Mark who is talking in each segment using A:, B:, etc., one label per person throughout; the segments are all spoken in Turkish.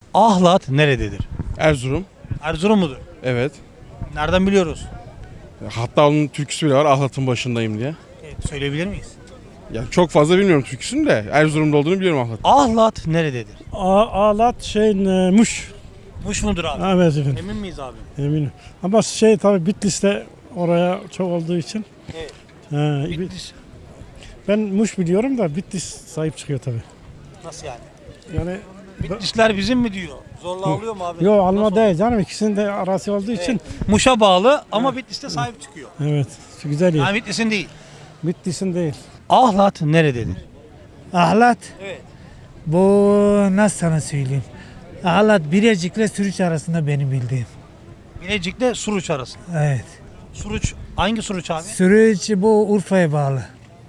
A: Ahlat nerededir?
B: Erzurum.
A: Erzurum mudur?
B: Evet.
A: Nereden biliyoruz?
B: Hatta onun türküsü bile var. Ahlat'ın başındayım diye.
A: Evet, söyleyebilir miyiz?
B: Yani çok fazla bilmiyorum türküsünü de Erzurum'da olduğunu biliyorum Ahlat.
A: Ahlat nerededir?
C: Ağlat Muş.
A: Muş mudur abi?
C: Evet efendim,
A: Emin miyiz abi?
C: eminim. Ama tabii Bitlis'te oraya çok olduğu için.
A: Evet.
C: Bitlis. Ben Muş biliyorum da Bitlis sahip çıkıyor tabii.
A: Nasıl yani?
C: Yani
A: Bitlisler bizim mi diyor? Zorla alıyor mu abi?
C: yok alma
A: Nasıl
C: değil canım, ikisinin de arası olduğu için.
A: Evet. Muş'a bağlı ama Bitlis'te sahip çıkıyor.
C: Evet, güzel yer.
A: Yani Bitlis'in değil.
C: Bitlis'in değil.
A: Ahlat nerededir?
D: Ahlat,
A: Evet.
D: bu nasıl sana söyleyeyim? Ahlat Birecik'le Sürüç arasında benim bildiğim.
A: Bilecik'le Suruç arası.
D: Evet.
A: Suruç, hangi Suruç abi?
D: Sürüç bu Urfa'ya bağlı.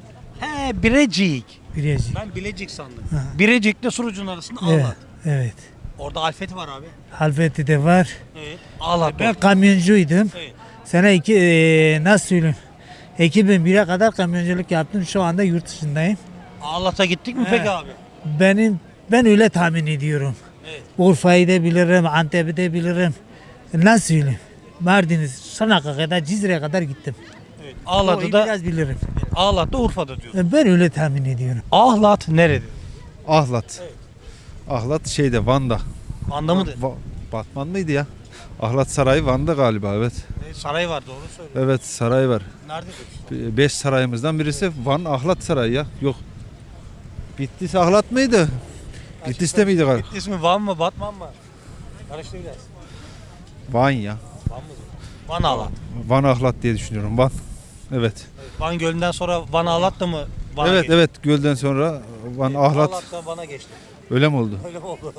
A: He, Birecik.
D: Birecik.
A: Ben Bilecik sandım.
D: Ha.
A: Birecik'le Suruç'un arasında
D: Evet.
A: Ahlat.
D: Evet.
A: Orada Alfeti var abi.
D: Halfeti de var.
A: Evet. Ahlat.
D: Ben kamyoncuydum.
A: Evet.
D: Sene nasıl söyleyeyim? 2001'e kadar kamyonculuk yaptım. Şu anda yurt dışındayım.
A: Ahlat'a gittik mi peki abi?
D: Ben öyle tahmin ediyorum.
A: Evet.
D: Urfa'yı da bilirim, Antep'i de bilirim. Nasıl söyleyeyim? Mardin'i, Çanak'a kadar, Cizre'ye kadar gittim.
A: Evet.
D: Orayı
A: Ahlat'ı da
D: biraz bilirim.
A: Ahlat'ta Urfa'da diyor.
D: Ben öyle tahmin ediyorum.
A: Ahlat nerededir?
E: Ahlat.
A: Evet.
E: Ahlat şeyde Van'da.
A: Van'da mıdır?
E: Batman mıydı ya? Ahlat Sarayı Van'da galiba, evet.
A: Saray var, doğru söylüyor.
E: Evet, saray var.
A: Nerededir?
E: 5 sarayımızdan birisi Van Ahlat Sarayı ya. Yok. Bitlis Ahlat mıydı? Bitlis'te miydi galiba?
A: Bitlis mi, Van mı, Batman mı? Karıştı biraz.
E: Van ya.
A: Van mıdır? Van Ahlat.
E: Van Ahlat diye düşünüyorum. Van. Evet.
A: Van Gölü'nden sonra Van Ahlat da mı Van'a
E: Evet
A: geçti?
E: evet, gölden sonra Van Ahlat
A: Ahlat'tan Van'a geçti.
E: öyle mi oldu?
A: Öyle mi oldu?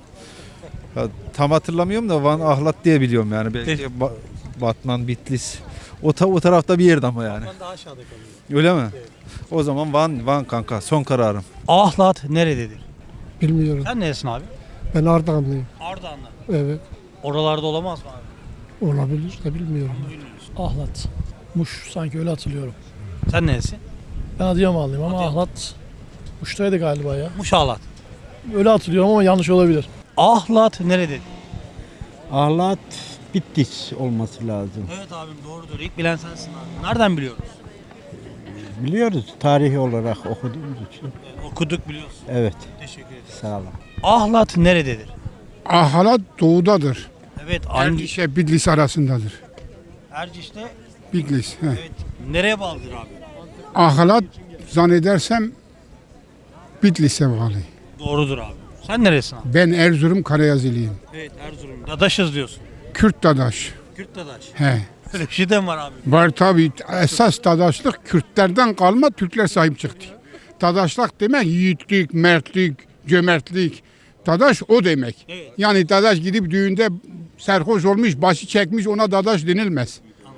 E: Ya, tam hatırlamıyorum da Van Ahlat diye biliyorum yani. Belki Batman, Bitlis. O tarafta bir yerde ama yani.
A: Van daha aşağıda kalıyor.
E: Öyle mi? O zaman Van kanka, son kararım.
A: Ahlat nerededir?
F: Bilmiyorum.
A: Sen neresin abi?
F: Ben Ardahanlıyım.
A: Ardahan'da.
F: Evet.
A: Oralarda olamaz mı abi?
F: Olabilir de bilmiyorum.
C: Ahlat. Muş sanki öyle hatırlıyorum.
A: Sen neresin?
C: Ben Adıyamanlıyım ama
A: Adıyaman.
C: Ahlat Muş'taydı galiba ya.
A: Muş Ahlat.
C: Öyle hatırlıyorum ama yanlış olabilir.
A: Ahlat nerededir?
G: Ahlat Bitlis olması lazım.
A: Evet abim, doğrudur. İlk bilen sensin abi. Nereden biliyoruz?
G: Biliyoruz tarihi olarak okuduğumuz için.
A: Okuduk, biliyorsun.
G: Evet,
A: Teşekkür ederim.
G: sağ olun.
A: Ahlat nerededir?
F: Ahlat doğudadır.
A: Evet, hangi?
F: Erciş'e Bitlis arasındadır.
A: Erciş'te.
F: Bitlis. He.
A: Evet. Nereye bağlıdır abi?
F: Ahlat zannedersem Bitlis'e bağlı.
A: Doğrudur abi. Sen neresin abi?
F: Ben Erzurum Karayazılıyım.
A: Evet, Erzurum. Dadaşız diyorsun.
F: Kürt dadaş.
A: Kürt dadaş.
F: He.
A: Öyle bir şey de mi var abi?
F: Var tabi, esas dadaşlık Kürtlerden kalma, Türkler sahip çıktı. Dadaşlık demek yiğitlik, mertlik, cömertlik. Dadaş o demek.
A: Evet.
F: Yani dadaş gidip düğünde serhoş olmuş, başı çekmiş, ona dadaş denilmez.